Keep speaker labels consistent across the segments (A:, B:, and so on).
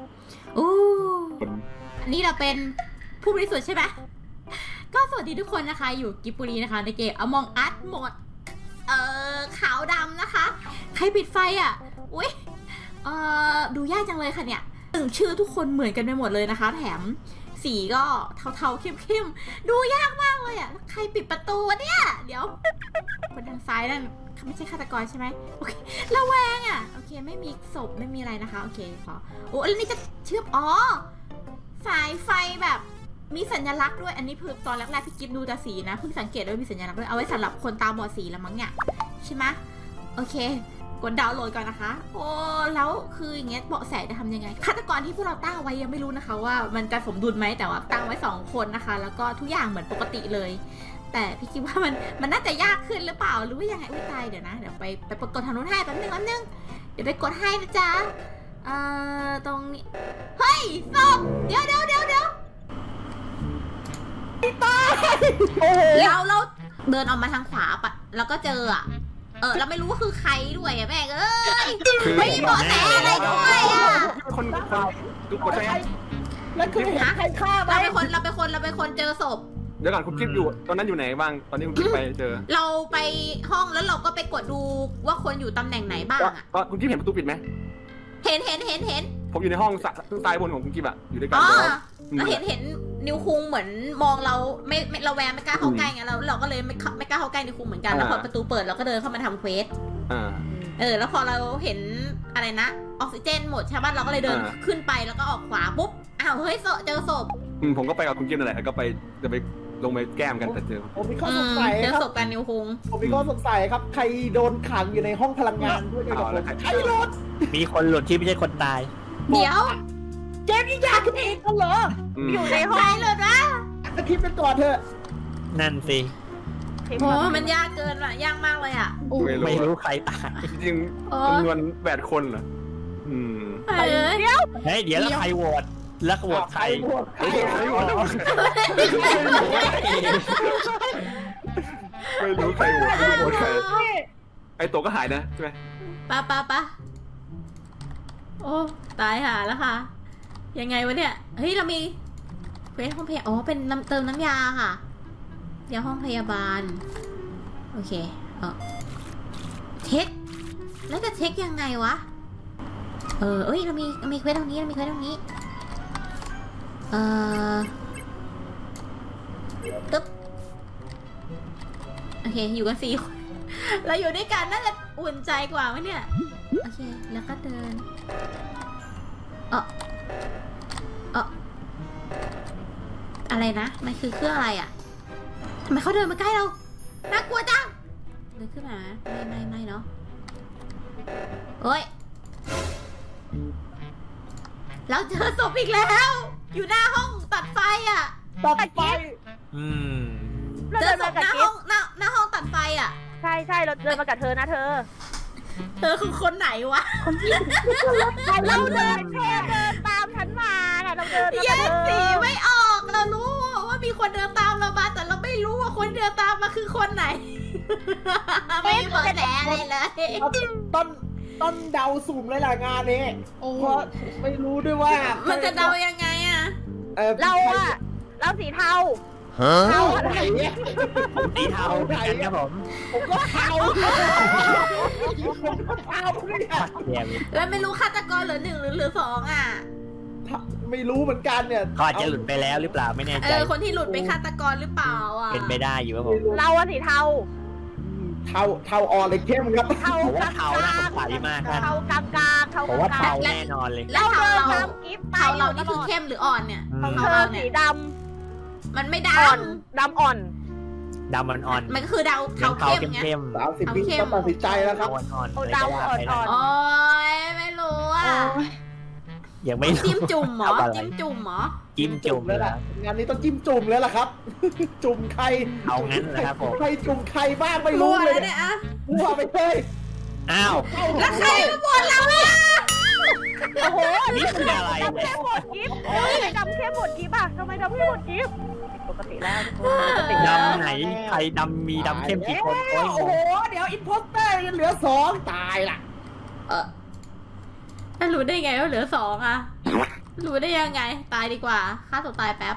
A: อู้อันนี้เราเป็นผู้บริสุทธิ์ใช่ไหมก็สวัสดีทุกคนนะคะอยู่กิบบุรีนะคะในเกม Among Us โหมดขาวดำนะคะใครปิดไฟอ่ะอุ้ยดูยากจังเลยค่ะเนี่ยชื่อทุกคนเหมือนกันไปหมดเลยนะคะแถมสีก็เทาๆเข้มๆดูยากมากเลยอ่ะใครปิดประตูวะเนี่ยเดี๋ยวคนทางซ้ายนั่นเขาไม่ใช่ฆาตกรใช่ไหมโอเคระแวงอ่ะโอเคไม่มีศพไม่มีอะไรนะคะโอเคพอโอ้แล้วนี่จะเชื่อมสายไฟแบบมีสัญลักษณ์ด้วยอันนี้คือตอนแรกๆพี่กิ๊บดูแต่สีนะเพิ่งสังเกตว่ามีสัญลักษณ์ด้วยเอาไว้สำหรับคนตาบอดสีแล้วมั้งเนี่ยใช่ไหมโอเคกดดาวน์โหลดก่อนนะคะโอ้แล้วคืออย่างเงี้ยเบาะแสจะทำยังไงฆาตกรที่พวกเราตั้งเอาไว้ยังไม่รู้นะคะว่ามันจะสมดุลไหมแต่ว่าตั้งไว้2คนนะคะแล้วก็ทุกอย่างเหมือนปกติเลยแต่พี่คิดว่ามันน่าจะยากขึ้นหรือเปล่าหรือว่ายังไงอุ้ยตายเดี๋ยวนะเดี๋ยวไปกดทางนู้นให้แป๊บนึงเดี๋ยวไปกดให้นะจ๊ะตรงนี้เฮ้ยศพเดี๋ยวเราเดินออกมาทางขวาปะแล้วก็เจอเราไม่รู้ว่าคือใครด้วยอะแม่เอ้ยไม่มีเบาะแสอะไรด้วยอะ
B: คนทุกคนใช่ไหม
C: แล้วคือเห็นใครฆ่าไหม
A: เราเป็นคนเจอศพ
B: เดี๋ยวก่อนคุณกิ๊บอยู่ตอนนั้นอยู่ไหนบ้างตอนนี้คุณกิ๊บไปเจอ
A: เราไปห้องแล้วเราก็ไปกดดูว่าคนอยู่ตำแหน่งไหนบ้างอะ
B: คุณกิ๊บเห็นประตูปิดไหม
A: เห็น
B: ผมอยู่ในห้องซ้ายบนของคุณกิ๊บอะอยู่ด้วยกัน
A: เราเห็นนิวคุงเหมือนมองเราไม่ระแวงไม่กล้าเข้าใกล้ไงเราก็เลยไม่กล้าเข้าใกล้นิวคุงเหมือนกันแล้วพอประตูเปิดเราก็เดินเข้ามาทำเควสแล้วพอเราเห็นอะไรนะออกซิเจนหมดใช่ป่ะเราก็เลยเดินขึ้นไปแล้วก็ออกขวาปุ๊บอ้าวเฮ้ยเจอศพ
B: ผมก็ไปกับคุณกิ๊บนั่นแหละก็ไปจะไปลงไปแก้มกันแต่เจอ
C: ผมมีข้อสงสัย
A: เจอ
C: ครับ
A: ศพกันนิวคุง
C: ผมมีข้อสงสัยครับใครโดนขังอยู่ในห้องพลังงานด้วยกันใครหลุด
D: มีคนหลุดที่ไม่ใช่คนตาย
A: เดี๋ยว
C: เจมยิ่งยากขึ้นอีกเหรอ
A: อยู่ในห้องเลยนะ
C: คิดไปก่อนเถอะ
D: นั่นสิ
A: โอ้มันยากเกินว่ะยากมากเลยอ่ะ
D: ไม่รู้ใครตาย
B: จริงจำนวน8 คนเหรอ
A: เดี๋ยว
D: แล้วใครโหวตแล้วโหวตใคร
B: ไม่รู้ใครโหวตใครไอตัวก็หายนะใช่ไหม
A: ปะโอ้ตายหาแล้วค่ะยังไงวะเนี่ยเฮ้ยเรามีเควสห้องพยาบาลเป็นเติมน้ำยาค่ะเดี๋ยวห้องพยาบาลโอเคเช็คแล้วจะเช็คยังไงวะเอ้ยเรามีเควสตรงนี้ตึ๊บโอเคอยู่กัน4 คนเราอยู่ด้วยกันน่าจะอุ่นใจกว่าไหมเนี่ยโอเคแล้วก็เดินอะไรนะมันคือเครื่องอะไรอ่ะทำไมเขาเดินมาใกล้เราน่ากลัวจังเดินขึ้นมาไม่เนาะโอ้ยเราเจอศพอีกแล้วอยู่หน้าห้องตัดไฟอ่ะ
C: ตัดไฟ
A: เจอศพหน้าห้องตัดไฟอ่ะ
E: ใช่เราเดินมากับเธอนะเธอ
A: คือคนไหนวะ
E: เราเดินตามฉันมาเราเดินมากับเธอ
A: แยกสีไม่ออกเรารู้ว่ามีคนเดินตามเรามาแต่เราไม่รู้ว่าคนเดินตามมาคือคนไหนไม่เบอแหนอะไรเลย
C: ต้นเดาสุ่มเลยล่ะงานนี้เพราะไม่รู้ด้วยว่า
A: มันจะเดายังไงอะ
E: เราสีเทา
C: เทาอะไรเนี่ย
D: สีเทากันครับ
C: ผมก็เทาเนี่ย
A: แล้วไม่รู้ฆาตกรเหลือ1หรือเหลือ2อ่ะ
C: ไม่รู้เหมือนกันเนี่ย
D: เขาอาจจะหลุดไปแล้วหรือเปล่าไม่แน่ใจ
A: คนที่หลุดเป็นฆาตกรหรือเปล่าอ่ะ
D: เป็นไปได้อยู่ครับผม
E: เราสีเทา
C: อ่อนเลยเข้มครับ
E: เทา
D: น่าสงสัยมากครับ
E: เทากลาง
D: ผมว่าเทาแน่นอนเลย
A: แล้วเทาเรานี่คือเข้มหรืออ่อนเนี่ย
E: ของเธอสีดำ
A: มันไม่ด
E: ำอ่อน
A: มันก็คือเทาเข้ม
C: 30 วิต้องตัดสินใจแล้วครับ
E: ดำอ่อน
A: โอ้ยไม่รู้อ่ะ
D: ยังไม่
A: จิ้มจุ่มหรอจิ้มจุ่ม
C: แล้วล่ะงานนี้ต้องจิ้มจุ่มแล้วล่ะครับจุ่มใคร
D: เอางั้นนะครับผม
C: ใครจุ่มใครบ้างไม่รู้เลยเนี่ยมั่วไปเลย
D: อ้าว
A: แล้วใครมาบ่นเราอ่ะ
E: โอ้โห
D: นี่คืออะไร
E: ดำเข้มหมดกิ๊บดำเข้มหมดกิ๊บอ่ะทำไมดำเข้มหมดกิ๊บปกติแล้ว
D: ดำไหนใครดำมีดำเข้มกี่คน
C: โอ้โหเดี๋ยวอินโพสเตอร์ยังเหลือ2ตายล่ะ
A: รู้ได้ไงว่าเหลือ2อ่ะรู้ได้ยังไง ตายดีกว่าฆ่าตัวตายแป๊บ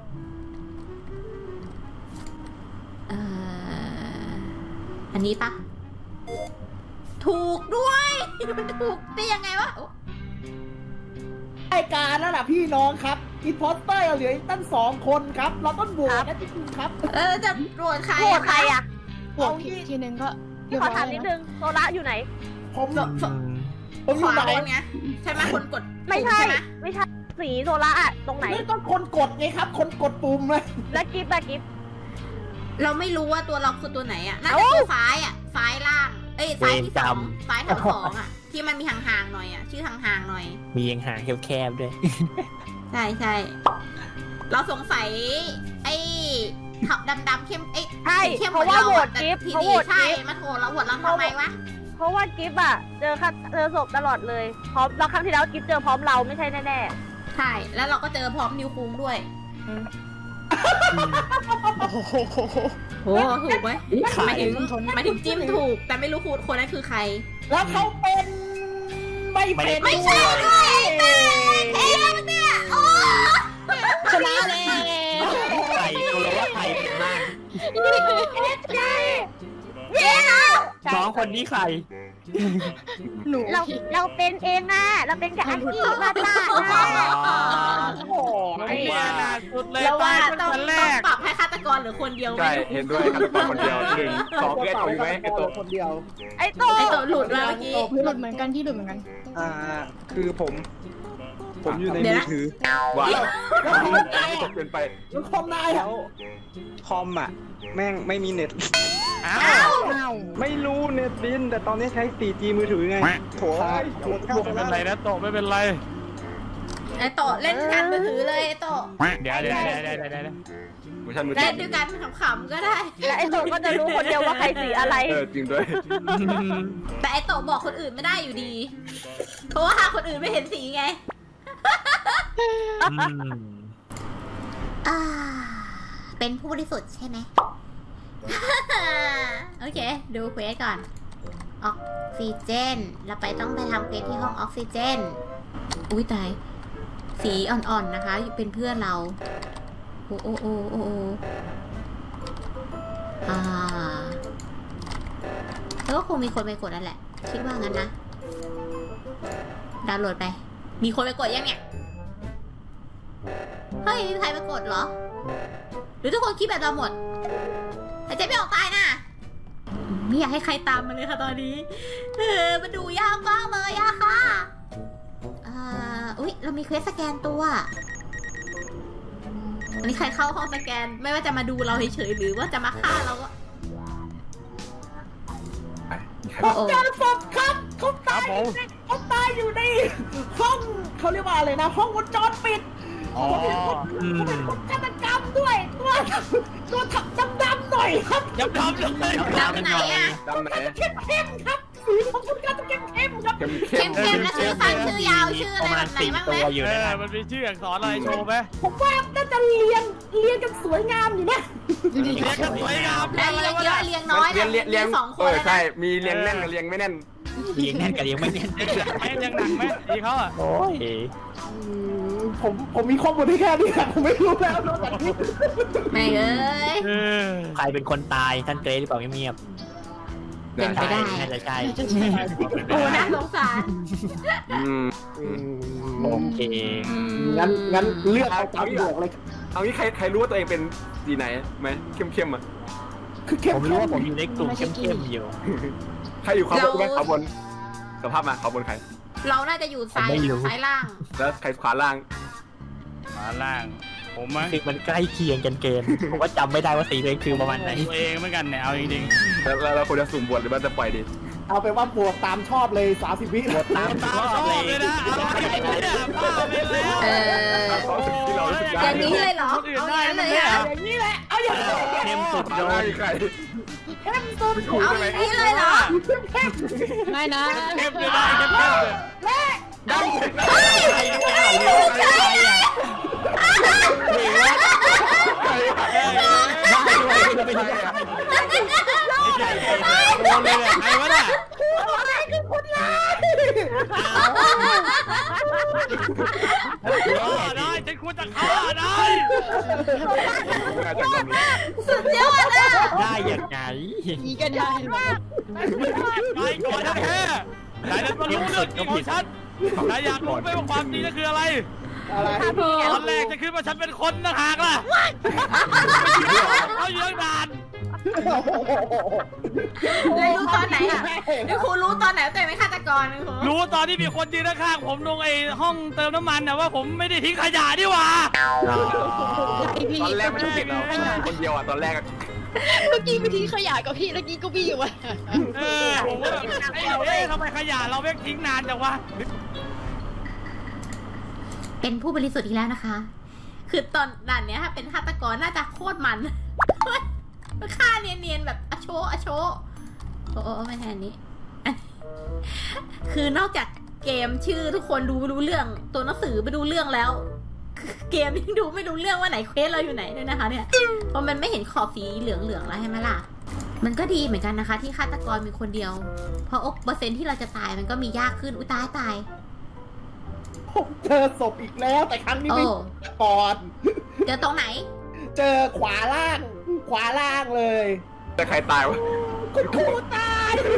A: อันนี้ปะถูกด้วยมันถูกได้ยังไงวะ
C: รายการแล้วล่ะพี่น้องครับอินพอสเตอร์เหลืออีกตั้ง2 คนครับ เราต้องโหวตนะจริงๆครับ
A: จะโหวตใคร
E: โหวตใครอะ
F: บวกผิดทีนึงก็
E: พี่ขอถามนิดนึงโซล่าอยู่ไหน
C: ผมอ
A: ข
C: ยู่
A: วา
C: ไหน
A: บนไงใช่ไหมคนกด
E: ไม่ใช่
A: ไหม
E: ไม่ใช่สีโซล่าอะตรงไหน
C: ไม่ต้องคนกดไงครับ คนกดปุ่มเลย
E: และกิฟต์อะกิฟต์
A: เราไม่รู้ว่าตัวเราคือตัวไหนอ่ะน่าจะตัวซ้ายอ่ะซ้ายล่าง เอ้ยซ้ายที่ 2ซ้ายแถว2อ่ะที่มันมีห่างๆหน่อยอ่ะชื่อห่างๆหน่อย
D: มียังหางแคบๆด้วย
A: ใช่ใช่เราสงสัยไอ้ขับดำๆเข้มไอ้
E: ใช่
A: เข้ม
E: เพราะว่าโหวต
A: แต่
E: กิฟต์
A: ที
E: เขาโห
A: นี้
E: วต
A: ใช่
E: กิฟต์
A: มาโหวตเราโหวตเราทำไมวะ
E: เพราะว่ากิฟต์อะเจอศพตลอดเลยพร้อมเราครั้งที่แล้วกิฟต์เจอพร้อมเราไม่ใช่แน่
A: ใช่แล้วเราก็เจอพร้อมนิวคุงด้วย
F: โอ้โห
A: โหถูกไหม
D: ใคร
A: หมายถึงจิ้มถูก แต่ไม่รู้คนนั้นคือใคร
C: แล้วเขาเป็นไม่เป็น
A: ไม่ใช่ด้วยเอ๊ะเนี่ยโอ้
F: ชนะเลย
D: ใครตัวเราว่าใครเป็นบ้าง
A: เย้นะ
D: น้องคนนี้ใคร
F: หนู
E: ๆเราเป็นเองอะเราเป็นกับอากิมาตา
C: โอ้ย
D: ว่าน่าสุดเลย
A: เราว่า
D: ตาย
A: ต้อง
D: คนแรก
A: ปรับให้ฆาตกรเหรือคนเดียว
B: ใช่เห็นด้วยฆาตกรคนเดียว1 2แกถูกไหมไอ้ตัว
C: คนเดียว
E: ไอ้โต
A: ไอตัวหลุดมาเมื่อกี้
F: หลุดเหมือนกันที่หลุดเหมือนกัน
G: คือผมอยู่ใน
A: เดี๋ยว
G: มื
A: นะ
G: อถือ
B: ว่าตกเกินไป
C: แล้วคอมนาย
G: แล้
C: อ่ะ
G: วคอมอ่ะ แม่งไม่มีเน็ต
D: อ้าว
F: อ้าว
G: ไม่รู้เน็ตบิน แต่ตอนนี้ใช้ 4G มือถือไงโถ
D: ไม่เป็นไรนะโตไม่เป็นไร
A: ไอโตะเล่นกันมือถือเลยไอโตะ
D: เดี๋ยว
B: เวอร์ชันมือถื
A: เล่
B: อน
A: ด้วยกันขำๆก็ได้
E: และไอ้โตก็จะรู้คนเดียวว่าใครสีอะไร
B: จริงด้วย
A: แต่ไอโตะบอกคนอื่นไม่ได้อยู่ดี เพราะว่าหาคนอื่นไม่เห็นสีไง เป็นผู้บริสุทธิ์ใช่ไหม โอเค ดูเควสก่อน ออกซิเจน เราต้องไปทำเควสที่ห้องออกซิเจน อุ้ยตาย สีอ่อนๆนะคะ เป็นเพื่อนเรา โอ้โอ้โอ้โอ้แล้วก็คงมีคนไปกดนั่นแหละ คิดว่างั้นนะ ดาวน์โหลดไป มีคนไปกดยังเนี่ย เฮ้ย มีใครไปกดเหรอ หรือทุกคนคิดแบบเราหมดหายใจไม่ออกตายนะไม่อยากให้ใครตามมาเลยค่ะตอนนี้มันดูยากมากเลยอะค่ะอุ๊ย เรามีเควสสแกนตัวอันนี้ใครเข้าห้องสแกน ไม่ว่าจะมาดูเราเฉยๆหรือว่าจะมาฆ่าเราก็
C: ผมเจอศพครับเขา
D: ครั
C: ตา
D: บ
C: ย
D: ผม
C: เขาตายอยู่ในห้องเขาเรียกว่าอะไรนะ ห้องวงจรปิด
D: อ๋อ
C: เขาเป็นคนฆาตกรรมด้วยตัวถักดำๆหน่อยครับ
D: ยับทำเลย
A: ดำไหนอะ
B: ดำไหน
C: เข้มๆครับสีของคุณก็จะเข้มๆครับ
B: เข้ม
A: เข้มๆแล้วชื่อสั้นชื่อยาวชื่ออะไรแบบไหนบ้างไหม
D: ตัวอยู่
H: เอ
D: นะ
H: อมันมีชื่ออักษรอะไรโชว์ไหม
C: ผมว่าน่าจะเรียงกันสวยงามอยู่นะ
F: ดูดิ
H: เรียกกันสวยงาม
A: แล้วเลี้ยงเยอะเลี้ยงน้อย
B: เลี้ยง
A: มีสองคนแล้ว
B: ใช่
A: นะ
B: มีเลี้ยงแน่นกับเลี้ยงไม่แน่น
D: เลี้ยงแน่นกับเลี้ยงไม่แน่น
H: แม่งยังหนักไหมดีเขาอ่ะ
D: โอ้ย
C: ผมมีข้อมูลที่แค่นี้ครับผมไม่รู้แล้วนอกจากนี้
A: ไม่เอ้ย
H: เออ
D: ใครเป็นคนตายท่านเกรซหรือเปล่าเงียบ
A: เป็นไปได้
D: น่าจะใช่
A: โอ้น่าสงสาร
D: โอเค
C: งั้นเลือกเอาตามบวกเลย
B: เอางี้ใครรู้ว่าตัวเองเป็นสีไหนไหมเข้มอ่ะ
C: คือเข้ม
D: ผมรู้ว่าผมอยู่ในกลุ่มเข้มๆอยู่
B: ใครอยู่ขวาบนไหมขวาบนสภาพมาขวาบนใคร
A: เราน่าจะอยู่ซ้าย
D: ไม่รู้
A: ซ้ายล่าง
B: แล้วใครขวาล่าง
H: มาล่าง ผมมั้ง
D: คือมันใกล้เคียงกันเกณฑ์ผมว่าจำไม่ได้ว่าสีตัวเองคือประมาณไหน
H: ตัวเองเหมือนกันเนี่ยเอาจริง
B: แล้วเราควรจะสุ่มบวชหรือว่าจะปล่อยดี
C: เอาไปว่าบวกตามชอบเลย30 วิ
D: ตาม
H: ๆตามชอบเลยนะเอาอะไรเนี่ยบ้าไปแล้ว
A: เออ
B: เขาถึงที่เรารู้สึก
A: อย่างนี้เลยเหรอ
H: คนอื่น
A: เอาอ
H: ได้
A: ย่างนั้น
H: ไหม
A: เลย
H: เนี่ย
A: เหรอ
C: อย่างนี้แหละเอาอย่างนี้
D: เข้มสุด
B: โด
D: โด
B: น
D: น
B: ใคร
C: เข้มสุด
A: เอาอย่างนี้เลยเหรอ
F: ไม่นะ
H: เข้มเลยนะเข้มเลย
B: ดำ
D: ใครอ่ะหรือว่าได้ด้วยจะเป็นยังไง
H: โดนเลยเนี่ยใครวะเนี่ย
C: อะไรคือคุณลาย
B: ดน่าจะต้องมี
A: สุดยอดอ่ะ
D: ได้ยังไง
F: นี่ก็ได้
H: ไปก่อนนะแค่ไหนนั้นมารู้เรื่องจริงของฉันนายอยากรู้ไหมว่าความจริงนั่นคืออะไร
C: อะไร
H: ตอนแรกจะคิดว่าฉันเป็นคนนะหากล่ะเขาอยู่ตั้งนาน
A: แล้วรู้ตอนไหนอ่ะนี่ครูรู้ตอนไหนว่าตัวเองเป็นฆาตกรนะครู
H: รู้ตอนที่มีคนยืนข้างๆผมตรงไอ้ห้องเติมน้ำมันนะว่าผมไม่ได้ทิ้งขยะนี่หว่า
B: ตอนแรกไม่ต้องติดเราคนเดียวอ่ะตอนแรก
F: เมื่อกี้ไปทิ้งขยะกับพี่เมื่อกี้ก็พี่อยู่วะ
H: ผมก็แบบทำไมขยะเราไม่ทิ้งนานจังวะ
A: เป็นผู้บริสุทธิ์อีกแล้วนะคะ คือตอนด่านเนี้ยถ้าเป็นฆาตกรน่าจะโคตรมันฆ่าเนียนๆแบบอโชโอ้ไม่แทนนี้ คือนอกจากเกมชื่อทุกคนดูไม่รู้เรื่อง ตัวหนังสือไม่รู้เรื่องแล้ว เกมยังดูไม่รู้เรื่องว่าไหนเควสเราอยู่ไหนด้วยนะคะเนี่ย เพราะมันไม่เห็นขอบสีเหลืองๆแล้วใช่ไหมล่ะ มันก็ดีเหมือนกันนะคะ ที่ฆาตกรมีคนเดียว เพราะเปอร์เซ็นต์ที่เราจะตายมันก็มียากขึ้น อุยตาย
C: ผมเจอศพอีกแล้วแต่ครั้งนี้
A: โอ้
C: ไม่ก่อน
A: เจอตรงไหน
C: เจอขวาล่างเลย
B: แต่ใครตายวะ
C: คุณครูตาย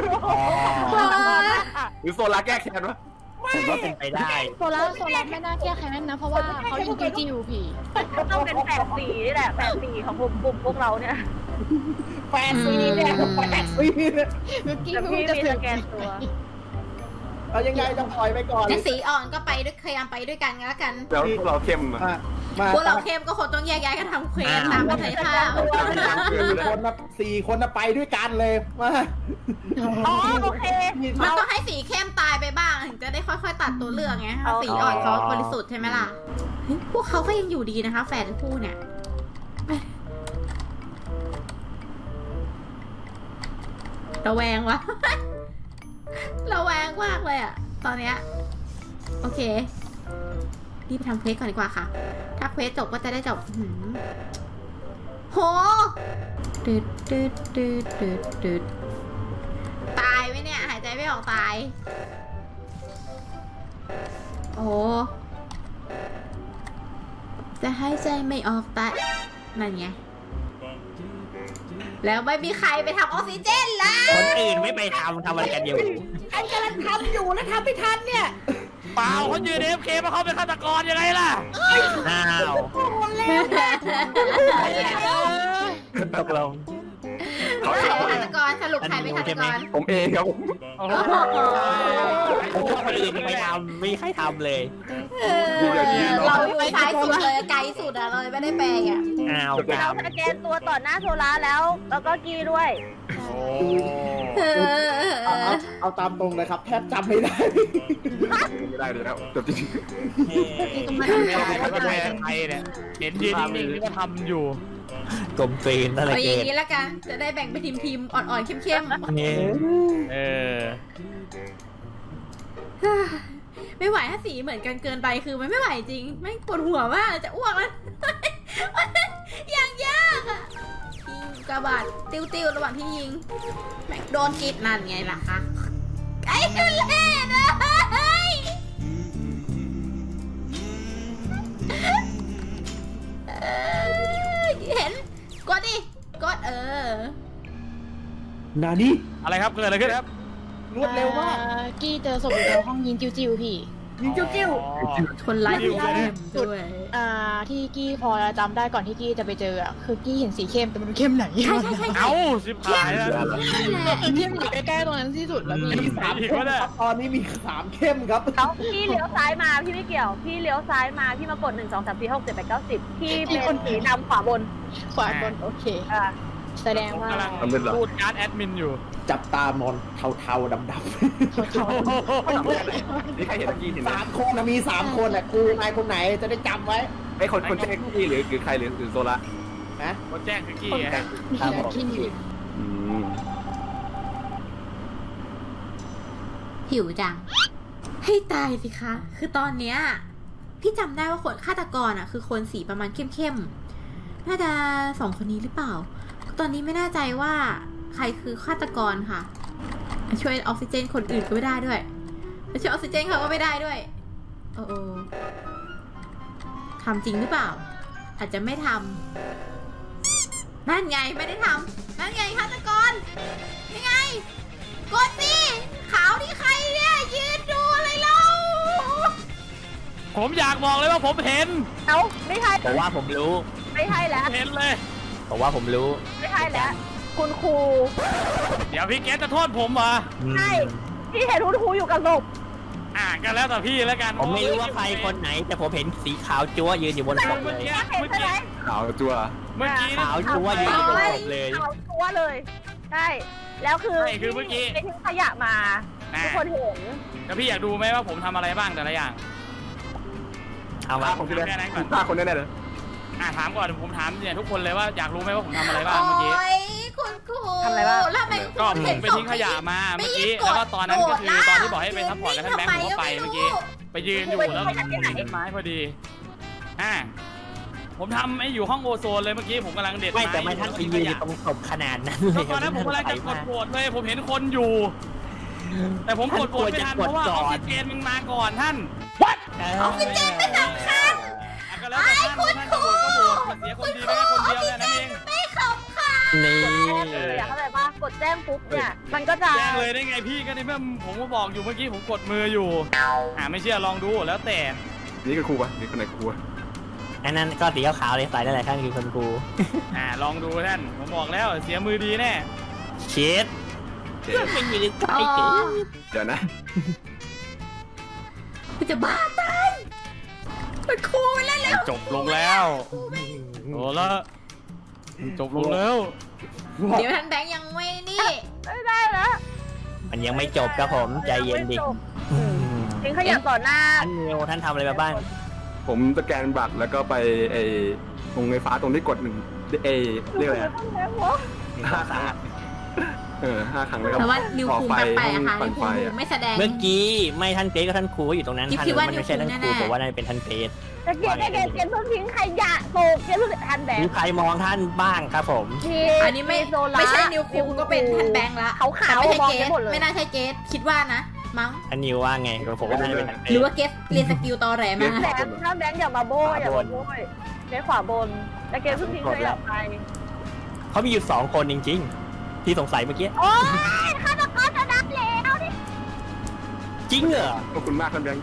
B: หรือโซลาแก้แค้นวะ
D: ผมว่าเป็นไปได้
F: โซล่าไม่น่าแก้แค้นนะ เพราะว่าเขายิงจิวพี่
E: ต้องเป็น8 ปีนี่แหละ8 ปีของกลุ่มพวกเราเนี่ย
C: แปดปีเนี่ย8 ปีเนี่ย
F: เมื่อกี้
E: แต่
F: ไม่
E: พี่
F: รู้จะ
E: มี
F: เสื
E: ส
F: อก
E: แกนตัว
C: เอายังไงต้องปล่อยไปก่อน
A: งั้นสีอ่อนก็ไปด้วยพยายามไปด้วยกันแล้วกัน
B: แล้วพวกเราเข้มอ่ะ
C: มา
A: พวกเราเข้มก็คงต้องแยกย้ายกันทำเควสตามกันเลยค่ะ
C: 4 คนนะไปด้วยกันเลยมา
E: อ๋อโอเค
A: มันต้องให้สีเข้มตายไปบ้างถึงจะได้ค่อยๆตัดตัวเลือกไงถ้าสีอ่อนเขาบริสุทธิ์ใช่ไหมล่ะเฮ้ยพวกเขาก็ยังอยู่ดีนะคะ แฝดคู่เนี่ยระแวงวะ ระแวงมากเลยอะตอนเนี้ยโอเครีบไปทำเควสก่อนดีกว่าค่ะ ถ้าเควสจบก็จะได้จบโหตืดตายไหมเนี่ย หายใจไม่ออกตาย โอ้จะหายใจไม่ออกตายนั่นไง แล้วไม่มีใครไปทำออกซิเจนเลย
D: คนอื่นไม่ไปทำอะไรกันอยู่
C: ไอ้กำลังทำอยู่แล้วทำไม่ทันเนี่ย
H: เปล่าเขายืนเอฟเคมาเขาเป็นฆาตกรยังไงล่ะ
D: อ้าว ตกลง
B: เขา
A: ใคร
B: เข้า
A: เป็นฆาตกรสรุปใครเป็นฆาตกร
B: ผมเองครับผม
D: คนอื่นไม่ทำไม่ใครทำเลย
A: เราอยู่ซ้ายสุดเลยไกลสุดอะเลยไม่ได้แปลงอะ
D: อ้าวกรร
E: เรา
D: ม
E: สแกนตัวต่อหน้าโซล่าแล้วก็กีด้วย
C: เอาตามตรงเลยครับแทบจำไม่ได้
B: ไม่ได้เลยแล้วจบจริง
H: ไม่เป็นไรใครเนี่ยเห็นยืนนิ่งๆนี่ก็ทำอยู่
D: กลมกลืนอะไร
A: เอาอ
D: เก
A: ย่าง
D: ณฑ์
A: นี้ละกัน จะได้แบ่งเป็นทีมอ่อนๆเข้ม
D: นี่
H: เออ
A: ๆ ไม่ไหวถ้าสีเหมือนกันเกินไปคือมันไม่ไหวจริงไม่งปวดหัวมากจะอ้วกแล้ว อย่างยากอะยิงกระบาดติ้วๆระหว่างที่ยิงแม่งโดนกรีดนั่นไงล่ะคะไอ้ทุเล่เลยเห็นกดดิกด
C: นานี่
H: อะไรครับเกิดอะไรขึ้นครับ
C: รวดเร็วมาก
F: กี้เจอศพอยู่ในห้องยิงจิวพี่
C: ยิงจิ้ว
A: คนไร้ที่เข้มด้วย
F: ที่กี้พอจำได้ก่อนที่กี้จะไปเจออะคือกี้เห็นสีเข้มแต่มันดูเข้มไหน
A: ใช่ใช่ใช่
H: เอ้าสิบหายแล้ว
F: เข้มอยู่ใกล้ๆตรงนั้นที่สุดแล้วพี่
C: มี3เข้มครับตอนนี้มี3เข้มครับ
E: แล้วพี่เลี้ยวซ้ายมาพี่ไม่เกี่ยว พี่เลี้ยวซ้ายมาพี่มากด1 2 3 4 6 7 8 9 10พี่เป็นสีดำขวาบน
F: ขวาบนโอเค
E: อ่า
F: แสดงว่า
H: กำลังพูดการ์ดแอดมินอยู่
C: จับตามอนเทาๆดำ
B: นี่ใครเห็นตะกี้เห็น
C: ๆ
B: ไหม
C: 3 คนนะมี3 คนอ่ะกูนายคนไหนจะได้จำไว้
B: ไอ้คนแจ้งที่หรือใครหรือโซลา
C: นะ
H: คนแจ้งคือกี้ฮะ
F: ขี้หนี
A: หิวจัง ให้ตายสิคะ คือตอนเนี้ยพี่จำได้ว่าคนฆาตกรอ่ะ คือคนสีประมาณเข้มๆ น่าจะ2 คนนี้หรือเปล่า ตอนนี้ไม่แน่ใจว่าใครคือฆาตกรค่ะ ช่วยออกซิเจนคนอื่นก็ไม่ได้ด้วยช่วยออกซิเจนเขาก็ไม่ได้ด้วย โอ้ทำจริงหรือเปล่าอาจจะไม่ทำนั่นไงไม่ได้ทำนั่นไงฆาตกรนี่ไงกดสิขาวนี่ใครเนี่ยยืนดูอะไรเรา
H: ผมอยากบอกเลยว่าผมเห็น
E: เอ้าไม่ใช่
D: ผมว่าผมรู้
E: ไม่ใช่แล้ว
H: เห็นเลย
D: ผมว่าผมรู้
E: ไม่ใช่แล้ว คุณครู
H: เดี๋ยวพี่เกสจะโทษผมเหรอ
E: ใช่ที่เห็นคุณครูอยู่กับศพ
H: ก็แล้วแต่พี่แล้วกัน
D: ผมไม่รู้ว่าใครคนไหน แต่ผมเห็นสีขาวจั๊วยืนอยู่บนศพเล
H: เมื่อย กี้
E: เห็น
H: เมื่อ
E: ใช่ไหม
H: กี้
B: ขาวจั่ว
H: เมื่อกี้
D: ขาวจั๊วยืนอยู่บนศพเลย
E: เอาตัวเลยใช่แล้วคือ
H: ใช่คือเมื่อกี้
E: ไปทิ้งขยะมาทุกคนเห็น
H: แล้วพี่อยากดูไหมว่าผมทำอะไรบ้างแต่ละอย่าง
D: เอามา
B: ฆ่าคนที่แน่ฆ่าคนแน่ๆเลย
H: ถามก่อนผมถามเนี่ยทุกคนเลยว่าอยากรู้ไหมว่าผมทำอะไรบ้างเมื่อกี้
A: โอ้ยคุณครู
E: ทำอะไรบ้าง
A: แล้วทำไม
H: ก็
A: คุณ
H: ผ
A: เห็น
H: มไปทิ้งขยะมา
A: ไม่
H: เมื่อ
A: ยื
H: กี้
A: นก
H: แล้ว
A: ด
H: ก็ตอนนั้นก็คือ
A: โดด
H: ตอนที่บอกให้ไปซัพพอร์ตกับท่านแบงค์ผมก็ไปเมื่อกี้ ไปยืนอยู่แล้วผมเห็นต้นไม้พอดีผมทำไอ้อยู่ห้องโอโซนเลยเมื่อกี้ผมกำลังเด็ด
D: ไม่
H: ไม้
D: แต่ไม่ท่านไปยืนอยู่ตรงศพขนาดนั้นเลย
H: ตอนนั้นผมกำลังจะกดโหวตเลยผมเห็นคนอยู่ แต่ผมกดโหวตไม่ทันเพราะว่าออกซิเจนมันมาก่อนท่าน
D: ออกซิเจนไม่สำคัญ
H: ก็แล้วแต่ท่านโหวตก็โหวตเสียคนดีแค่คนเดียวแค่นั้นเอง
A: ไม่ขำค่ะ
D: นี่
E: อยากเข้าใจป่ะกดแจ้งปุ๊บเนี่ยมันก็จะ
H: แจ้งเลยได้ไงพี่ก็ในเมื่อผมก็บอกอยู่เมื่อกี้ผมกดมืออยู่ไม่เชื่อลองดูแล้วแต่
B: นี่คือครูปะนี่คนไหนครูปะ
D: อันนั้นก็สีขาวๆเลยใส่ได้หลายท่านคือคนครู
H: ลองดูท่านผมบอกแล้วเสียมือดีแน่
D: เช็ด
B: เจ๊
D: ไม่มีใคร
A: อ๋อ
D: เก๋
B: เดี๋ยวนะ
A: คุณจะบ้าตายคุณครูไปเล่นแล้ว
H: จบลงแล้วโอ้ละจบลงแล้ว
A: เดี๋ยวท่านแบงค์ยังไม่นี่
E: ไม่ได้แล้ว
D: มันยังไม่จบครับผมใจเย็นดิ
E: ทิ้งขยะต่อหน้า
D: ท่านนิวท่านทำอะไรมาบ้าง
B: ผมสแกนบัตรแล้วก็ไปตรงไฟฟ้าตรงที่กดหนึ่งเรียกอะไรอะ5 ครั้ง5 ครั้งแล้วก็
A: แต่ว่านิวคุงแปลกๆค่ะ
B: ปั่
A: นิ
B: น
A: ว
B: ไฟ
A: คุง
B: อะ
A: ไม่แสดง
D: เมื่อกี้ไม่ท่านเกรซก็ท่านครูก็อยู่ตรงนั้น
A: คิด
D: ท่าน
A: ว่า
D: มันไม่ใช่ท่านครู
A: นิวคุงแน่ๆ
D: ผมว่าน่าจะเป็นท่านเกรซ
E: แต่เกลียดเพิ่งทิ้งขยะโตเกลียดเพิ่งทันแบ
D: มี
E: บ
D: ใครมองท่านบ้างครับผม
A: อันนี้ไม่ใช่นิวคุงก็เป็นท่านแบงค์ละ
E: เขาขาว
A: แต่ไม่ใช่
E: มอง
A: เก
E: ไป
A: ส
E: หมดเลย
A: ไม่น่าใช่เกสคิดว่านะมั้ง
D: ท่านนิวว่าไงผมว่าน่าจะเป็นท่านเกร
A: หรือ
D: ซ
A: ว่าเกสเรียนสกิลตอแหลมา
E: แบงค์ถ้าแบงค์อย่ามาโบยอย่ามาโบยในขวาบนแต่เกลียดเพิ่งทิ้งขยะไป
D: เขามีอยู่2 คนจริงๆ ที่สงสัยเมื่อกี้
E: โอ๊ยฆาตกรจะนับแล้วดิ
D: จริงเหรอ
B: ขอบคุณมากท่านแบงค์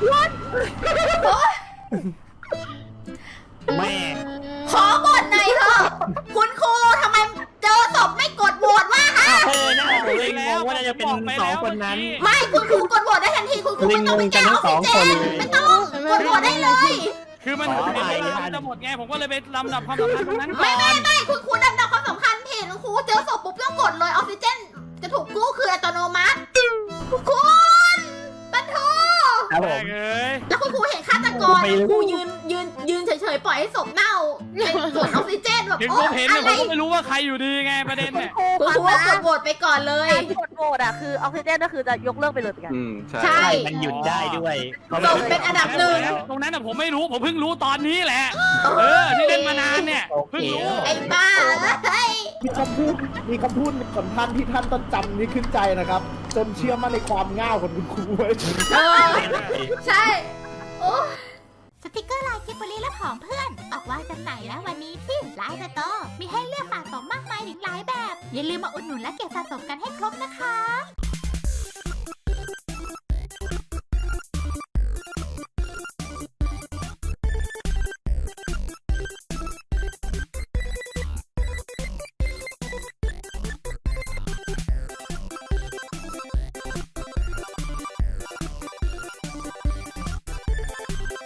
D: แม่
A: ขอบทหน่อยเถอะคุณครูทำไมเจอศพไม่กดโหวตว่าฮะ
D: น่าผมเลยงงว่าน่าจะเป็น2 คนนั้น
A: ไม่คุณครูกดโหวตได้ทันทีคุณครูไม่ต้องไปแก้ออกซิเจนไม่ต้องกดโหวตได้เลย
H: คือมัน
D: ขออภัย
H: เวลามันจะหมดไงผมก็เลยไปลำดับความสำคัญตรงนั้นก่
A: ไม่
H: อน
A: ไม่คุณครูดำดับความสำคัญผิดคุณครูเจอศพปุ๊บต้องกดเลยออกซิเจนจะถูกกู้คืออัตโนมัติคุณปันโท
D: ครับผม
H: เอ้ย
A: แล้วคุณครูเห็นฆาตกรครูยืนเฉยๆปล่อยให้ศพเน่าเป็นส่วนออกซิเจนแบบ
H: เห็น
A: โอ้
H: ผมเห็น
A: อะ
H: แต่
A: ไร
H: ผมก็ไม่รู้ว่าใครอยู่ดีไงประเด็นเนี่ย
A: คุณครูว่ากดโหวตไปก่อนเลย
E: การกดโหวตอ่ะคือออกซิเจนก็คือจะยกเลิกไปเลยเหมือนกัน
B: ใช่
A: ใช่
D: มันหยุดได้ด้วย
A: ศพเป็นอันดับหนึ่ง
H: ตรงนั้นน่ะผมไม่รู้ผมเพิ่งรู้ตอนนี้แหละที่เล่นมานานเนี่ยเพิ่งรู้
A: ไอ้บ้าเฮ้ย
C: มีคำพูดของท่านที่ท่านต้องจำนี้ขึ้นใจนะครับ จนเชื่อมั่นในความง่าวของคุณครูไว้
A: เออใช่โอ้สติกเกอร์ลายกิบบลีและของเพื่อน ออกวางจำหน่ายแล้ววันนี้ที่ไลน์สโตร์มีให้เลือกสะสมมากมายถึงหลายแบบ อย่าลืมมาอุดหนุนและเก็บสะสมกันให้ครบนะคะ